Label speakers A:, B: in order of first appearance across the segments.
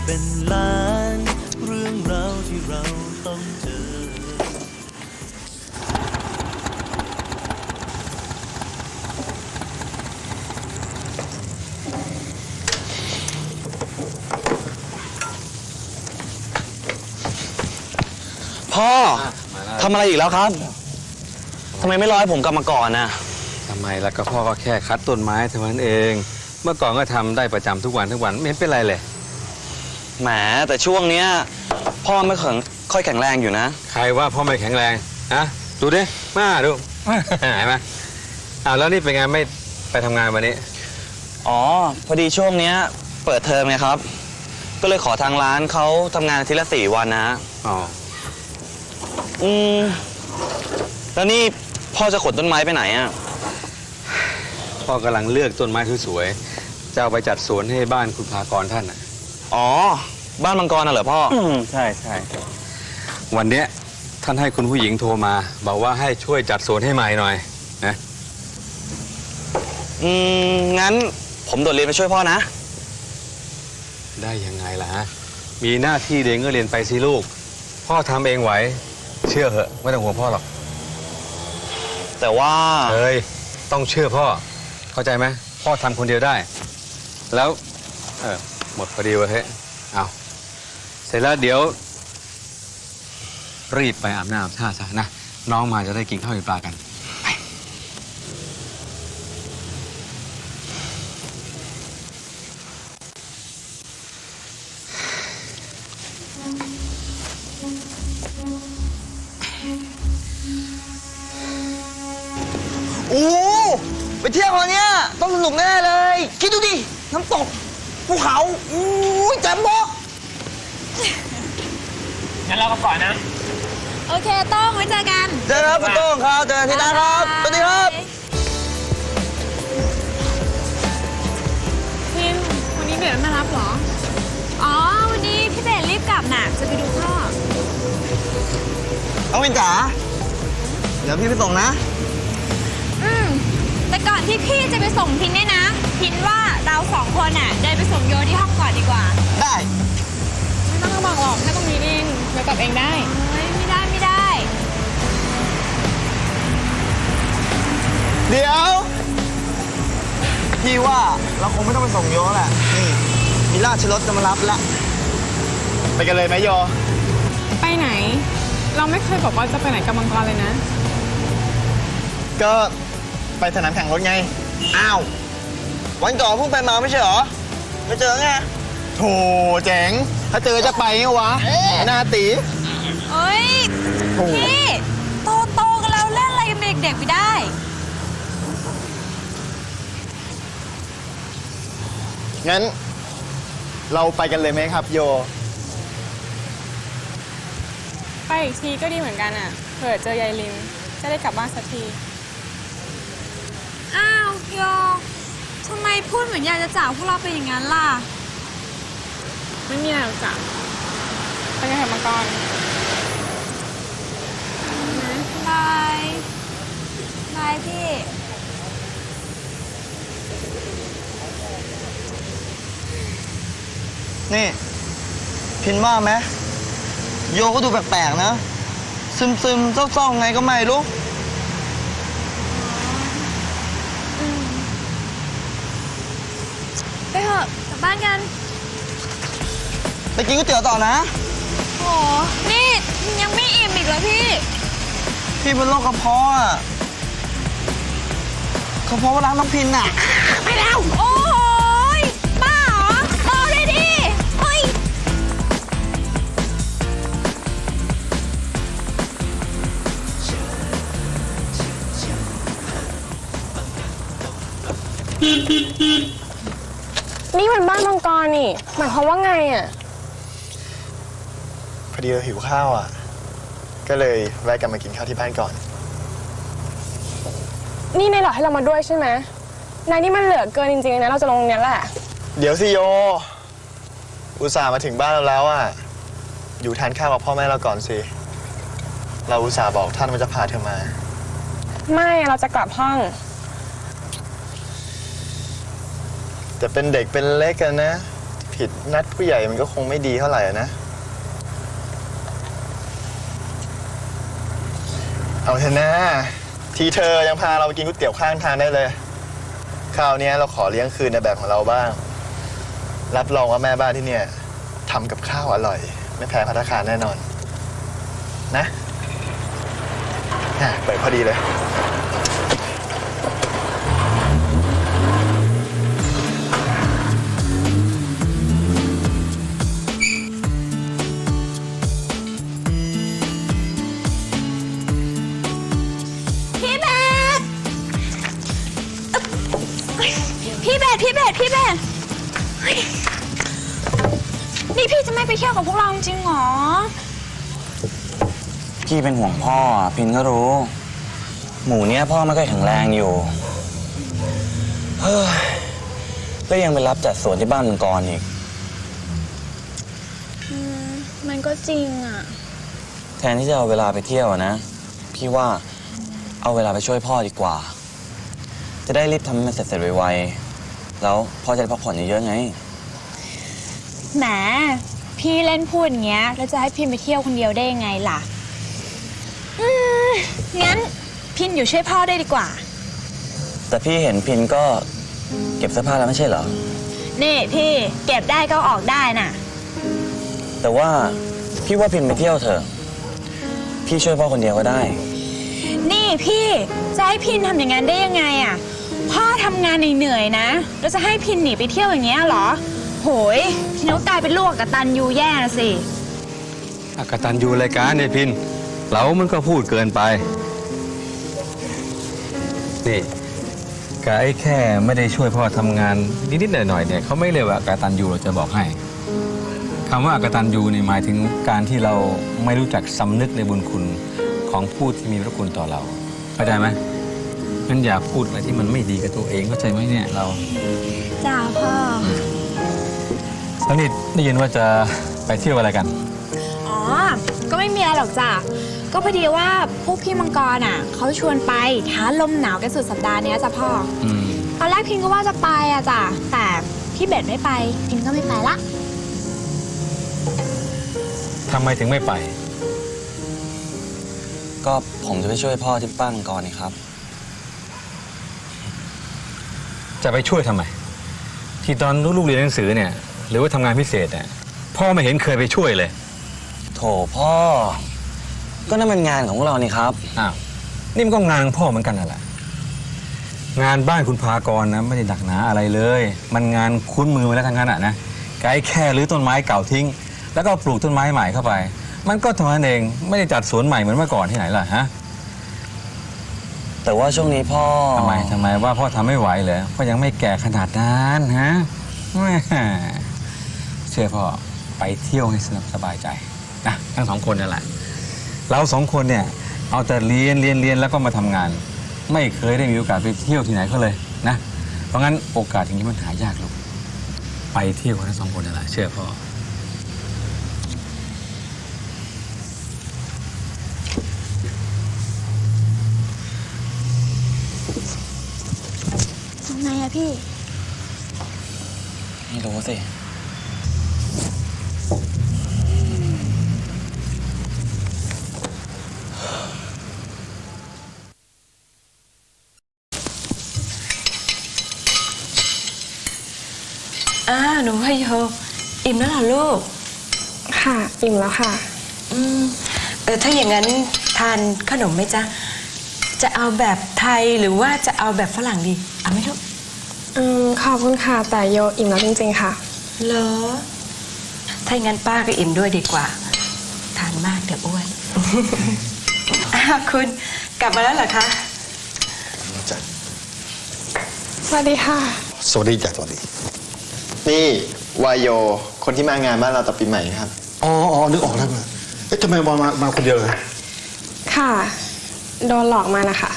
A: เป็นล้านเรื่องราวที่เราต้องเจอ
B: พ่อทำอะไรอีกแล้วครับทำไมไม่รอให้ผมกลับมาก่อนนะ
C: ทำไมล่ะก็พ่อก็แค่คัดต้นไม้เท่านั้นเองเมื่อก่อนก็ทำได้ประจำทุกวันไม่เห็นเป็นไรเลย
B: แหมแต่ช่วงเนี้ยพ่อไม่ค่อยแข็งแรงอยู่นะ
C: ใครว่าพ่อไม่แข็งแรงฮะดูดิมาดูเห็นไหมแล้วนี่เป็นไงไม่ไปทำงานวันนี้
B: อ๋อพอดีช่วงเนี้ยเปิดเทอมไงครับก็เลยขอทางร้านเขาทำงานอาทิตย์ละ4 วันนะ
C: อ๋อ
B: แล้วนี่พ่อจะขนต้นไม้ไปไหนอ่ะ
C: พ่อกำลังเลือกต้นไม้สวยๆจะเอาไปจัดสวนให้บ้านคุณภากรท่าน
B: อ๋อบ้านมังกรน่ะเหรอพ่อ
C: ใช่วันเนี้ยท่านให้คุณผู้หญิงโทรมาบอกว่าให้ช่วยจัดสวนให้ใหม่หน่อยนะ
B: งั้นผมโดดเรียนไปช่วยพ่อนะ
C: ได้ยังไงล่ะฮะมีหน้าที่เรียนก็เรียนไปสิลูกพ่อทำเองไหวเชื่อเหอะไม่ต้องห่วงพ่อหรอก
B: แต่ว่า
C: ต้องเชื่อพ่อเข้าใจไหมพ่อทำคนเดียวได้แล้วหมดพอดีเว้ยเอาเสร็จแล้วเดี๋ยวรีบไปอาบน้ำอาบท่าซะนะน้องมาจะได้กินข้าวกินปลากัน
B: โอ้ไปเที่ยววันนี้ต้องสนุกแน่เลยคิดดูดิน้ำตกภูเขาแจ่มบอก
D: งั้นเราก็ก่อนนะ
E: โอเคต้องไว้เจอกัน
B: เจอครับคุณโต้งครับเจอกันที่ร้านครับสวัสดีครับ
E: พิมวันนี้เบสมารับเหรออ๋อวันนี้พี่เบสรีบกลับน่ะจะไปดูพ่อ
B: เอาวินจ๋าเดี๋ยวพี่ไปส่งนะ
E: แต่ก่อนที่พี่จะไปส่งพินเนี่ยนะพินว่าเรา2 คนน่ะเดินไปส่งโยที่ห้องก่อนดีกว่า
B: ได้
E: ไม่ต้องมาบอกหรอกแค่ตรงนี้เองเดี๋ยวกลับเองได้ไม่ได้
B: เดี๋ยวพี่ว่าเราคงไม่ต้องไปส่งโยแหละนี่มีราชรถจะมารับแล้วไปกันเลยไหมโย
E: ไปไหนเราไม่เคยบอกว่าจะไปไหนกับมังกรเลยนะ
B: ก็ไปสนามแข่งรถไงอ้าววันก่อนเพิ่งไปมาไม่ใช่เหรอไม่เจอไงโถเจ๋งถ้าเจอจะไปไงวะหน้าตี
E: เอ้ยพี่โตกันแล้วเล่นอะไรกันเด็กๆไม่ได้
B: งั้นเราไปกันเลยไหมครับโย
E: ไปอีกทีก็ดีเหมือนกันอ่ะเผื่อเจอยายลิมจะได้กลับบ้านสักทีอ้าวโยทำไมพูดเหมือนอยากจะจากพวกเราไปอย่างนั้นล่ะไม่มีอะไรหรอกจ้ะไปกันเถอะมังกรบายพี่
B: นี่พินว่าไหมโยก็ดูแปลกๆนะซึมๆเศร้าๆไงก็ไม่รู้
E: ไปเถอะกลับบ้านกัน
B: ไปกินก๋วยเตี๋ยวต่อนะ
E: โอ้นี่ยังไม่อิ่มอีกเหรอพี่
B: เป็นโรคกระเพาะอ่ะกระเพาะว่าล้างน้ำพินอ่ะ
E: ไปแล้วโอ้ยบ้าเหรอบอกเลยดิเฮ้ย
F: นี่มันบ้านมังกรนี่หมายความว่าไงอ่ะ
G: พอดีเราหิวข้าวอ่ะก็เลยแวะกลับมากินข้าวที่บ้านก่อน
F: นี่นายหลอกให้เรามาด้วยใช่ไหมนายนี่มันเหลือเกินจริงๆนะเราจะลงเนี้ยแหละ
G: เดี๋ยวสิโยอุตส่าห์มาถึงบ้านเราแล้วอ่ะอยู่ทานข้าวกับพ่อแม่เราก่อนสิเราอุตส่าห์บอกท่านว่าจะพาเธอมา
F: ไม่เราจะกลับห้อง
G: แต่เป็นเด็กเป็นเล็กกันนะพผิดนัดผู้ใหญ่มันก็คงไม่ดีเท่าไหร่นะ เอาเถอะนะทีเธอยังพาเราไปกินก๋วยเตี๋ยวข้างทางได้เลยคราวนี้เราขอเลี้ยงคืนในแบบของเราบ้าง รับรองว่าแม่บ้านที่เนี่ยทำกับข้าวอร่อย ไม่แพ้ภัตตาคารแน่นอนนะเปิดพอดีเลย
E: พี่เบสพี่เบสเฮ้ยนี่พี่จะไม่ไปเที่ยวกับพวกเราจริงเหรอ
D: พี่เป็นห่วงพ่อพินก็รู้ หมูเนี้ยพ่อไม่ค่อยแข็งแรงอยู่เฮ้ยแล้วยังไปรับจัดสวนที่บ้านมังกรอีก
E: มันก็จริงอ่ะ
D: แทนที่จะเอาเวลาไปเที่ยวนะพี่ว่าเอาเวลาไปช่วยพ่อดีกว่า จะได้รีบทำให้มันเสร็จไวๆแล้วพ่อจะได้พักผ่อนเยอะๆไง
E: แหมพี่เล่นพูดอย่างเงี้ยแล้วจะให้พิมไปเที่ยวคนเดียวได้ยังไงล่ะงั้นพินอยู่ช่วยพ่อได้ดีกว่า
D: แต่พี่เห็นพินก็เก็บเสื้อผ้าแล้วไม่ใช่เหรอ
E: นี่พี่เก็บได้ก็ออกได้น่ะ
D: แต่ว่าพี่ว่าพินไปเที่ยวเถอะพี่ช่วยพ่อคนเดียวก็ได้
E: นี่พี่จะให้พินทำอย่างนั้นได้ยังไงอ่ะพ่อทำงานเหนื่อยๆนะแล้วจะให้พินหนีไปเที่ยวอย่างเงี้ยเหรอโหยพินก็กลายเป็นลูกกตัญญูแย่นะสิ
C: กตัญญูรายการเนี่ยพินเรามันก็พูดเกินไปนี่กไอ้แค่ไม่ได้ช่วยพ่อทำงานนิดๆหน่อยๆเนี่ยเขาไม่เรียกว่ากตัญญูเราจะบอกให้คำว่ากตัญญูนี่หมายถึงการที่เราไม่รู้จักสำนึกในบุญคุณของผู้ที่มีพระคุณต่อเราเข้าใจไหมงั้นอย่าพูดอะไรที่มันไม่ดีกับตัวเองเข้าใจไหมเนี่ยเรา
E: จ้าพ่อ
C: แล้วนี่ได้ยินว่าจะไปเที่ยวอะไรกัน
E: อ๋อก็ไม่มีอะไรหรอกจ้ะก็พอดีว่าพวกพี่มังกรอ่ะเขาชวนไปท้าลมหนาวกันสุดสัปดาห์นี้จ้ะพ่อตอนแรกพินก็ว่าจะไปอ่ะจ้ะแต่พี่เบสไม่ไปพินก็ไม่ไปละ
C: ทำไมถึงไม่ไป
D: ก็ผมจะไปช่วยพ่อที่บ้านมังกรนี่ครับ
C: จะไปช่วยทำไม ที่ตอนลูกเรียนหนังสือเนี่ยหรือว่าทำงานพิเศษเนี่ยพ่อไม่เห็นเคยไปช่วยเลย
D: โถพ่อ ก็นั่นเป็นงานของพวกเรานี่ครับ
C: อ้าวนี่มันก็งานของพ่อเหมือนกันนั่นแหละงานบ้านคุณพากรนะไม่ได้หนักหนาอะไรเลย มันงานคุ้นมือมาแล้วทั้งนั้นอ่ะนะไกด์แค่รื้อต้นไม้เก่าทิ้งแล้วก็ปลูกต้นไม้ใหม่เข้าไปมันก็เท่านั้นเองไม่ได้จัดสวนใหม่เหมือนเมื่อก่อนที่ไหนล่ะฮะ
D: แต่ว่าช่วงนี้พ่อ
C: ทำไมว่าพ่อทำไม่ไหวเหรอพ่อยังไม่แก่ขนาดนั้นฮะแหม่เชื่อพ่อไปเที่ยวให้สบายใจนะทั้งสองคนนั่นแหละเราสองคนเนี่ยเอาแต่เรียนแล้วก็มาทำงาน ไม่เคยได้มีโอกาสไปเที่ยวที่ไหนก็เลยนะเพราะงั้นโอกาสอย่างนี้มันหายากลูกไปเที่ยวกันทั้งสองคนนั่นแหละเชื่อพ่อ
E: ทำไงอะพี่
D: ไม่รู้สิ
H: หนูพโยอิ่มแล้วเหรอลูก
F: ค่ะอิ่มแล้วค่ะ
H: ถ้าอย่างนั้นทานขนมไหมจ๊ะ จะเอาแบบไทยหรือว่าจะเอาแบบฝรั่งดี เอาไหมลูก
F: ขอบคุณค่ะแต่โยอิ่มแล้วจริงๆค่ะ
H: เหรอ ถ้าอย่างนั้นป้าก็อิ่มด้วยดีกว่า ทานมากเดี๋ยวอ้วน คุณกลับมาแล้วเหรอคะ
F: สวัสดีค่ะ
G: สวัสดีจ้ะสวัสดีนี่วายโยคนที่มางานบ้านเราตอนปีใหม่ครับ
I: อ๋อนึกออกแล้วเอ๊ะทำไมมาคนเดียวเลย
F: ค่ะ โดนหลอกมานะคะ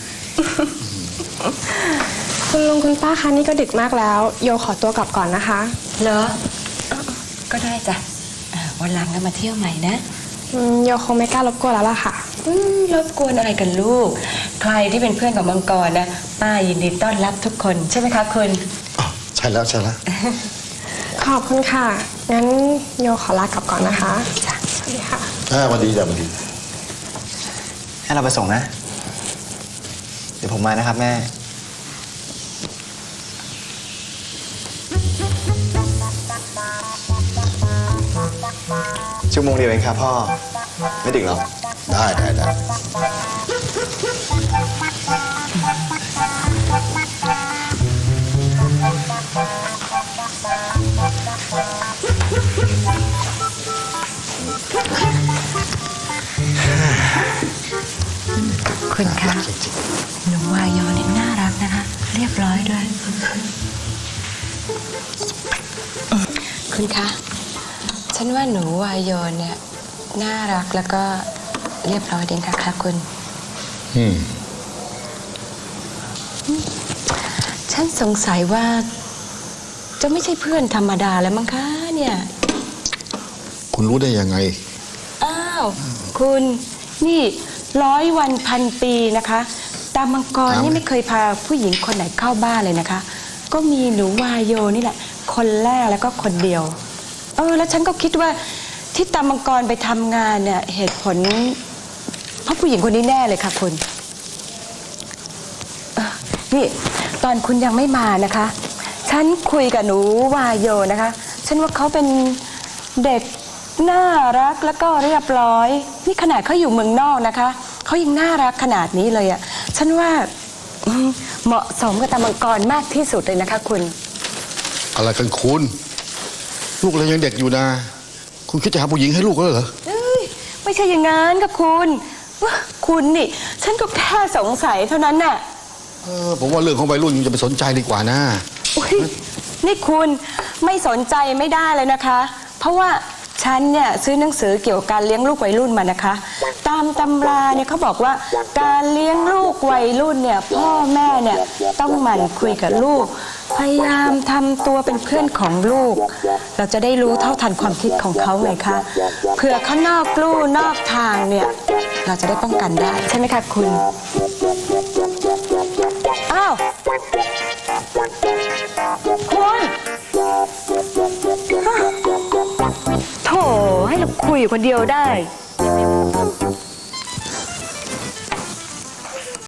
F: คุณลุงคุณป้าคะนี่ก็ดึกมากแล้ว โยขอตัวกลับก่อนนะคะ
H: เหรอ ก็ได้จ้ะวันหลังก็มาเที่ยวใหม่นะ
F: โยคงไม่กล้ารบกวนแล้วล่ะค่ะ
H: รบกวนอะไรกันลูก ใครที่เป็นเพื่อนกับมังกรนะป้ายินดีต้อนรับทุกคนใช่ไหมคะคุณ
I: อ๋อใช่แล้ว
F: ขขอบคุณค่ะ งั้นโยขอลากลับก่อนนะคะจ้ะสวัสดีค่ะ
I: สวัสดีจ้ะสวัสดี
B: ให้เราไปส่งนะ เดี๋ยวผมมานะครับแม่ ชั่วโมงเดียวเองครับพ่อ ไม่ดึกหรอก
I: ได้
H: คุณคะหนูวายอเนี่ยน่ารักนะคะ เรียบร้อยด้วย คุณคะ ฉันว่าหนูวายอเนี่ยน่ารักแล้วก็เรียบร้อยดีค่ะคุณ ฉันสงสัยว่าจะไม่ใช่เพื่อนธรรมดาแล้วมั้งคะเนี่ย
I: คุณรู้ได้ยังไง
H: อ้าวคุณนี่100 วันพันปีนะคะตามังกรนี่ไม่เคยพาผู้หญิงคนไหนเข้าบ้านเลยนะคะ ก็มีหนูวายโยนี่แหละคนแรกแล้วก็คนเดียวแล้วฉันก็คิดว่าที่ตามังกรไปทำงานเนี่ยเหตุผลเพราะผู้หญิงคนนี้แน่เลยค่ะคุณนี่ตอนคุณยังไม่มานะคะฉันคุยกับหนูวายโยนะคะฉันว่าเขาเป็นเด็กน่ารักแล้วก็เรียบร้อยนี่ขนาดเขาอยู่เมืองนอกนะคะเขายังน่ารักขนาดนี้เลยอะฉันว่าเหมาะสมกับตามังกรมากที่สุดเลยนะคะคุณ
I: อะไรกันคุณ ลูกเรายังเด็กอยู่นะ คุณคิดจะหาผู้หญิงให้ลูกแล้วเหรอ
H: ไม่ใช่อย่างนั้นกับคุณคุณนี่ฉันก็แค่สงสัยเท่านั้นน่ะ
I: ผมว่าเรื่องของวัยรุ่นยังจะไปสนใจดีกว่านะ
H: นี่คุณไม่สนใจไม่ได้เลยนะคะ เพราะว่าฉันเนี่ยซื้อหนังสือเกี่ยวกับการเลี้ยงลูกวัยรุ่นมานะคะตามตำราเนี่ยเขาบอกว่าการเลี้ยงลูกวัยรุ่นเนี่ยพ่อแม่เนี่ยต้องหมั่นคุยกับลูกพยายามทำตัวเป็นเพื่อนของลูกเราจะได้รู้เท่าทันความคิดของเขาไงคะเผื่อเขานอกลู่นอกทางเนี่ยเราจะได้ป้องกันได้ใช่ไหมคะคุณอ้าวคุณโถให้เราคุยคนเดียวได้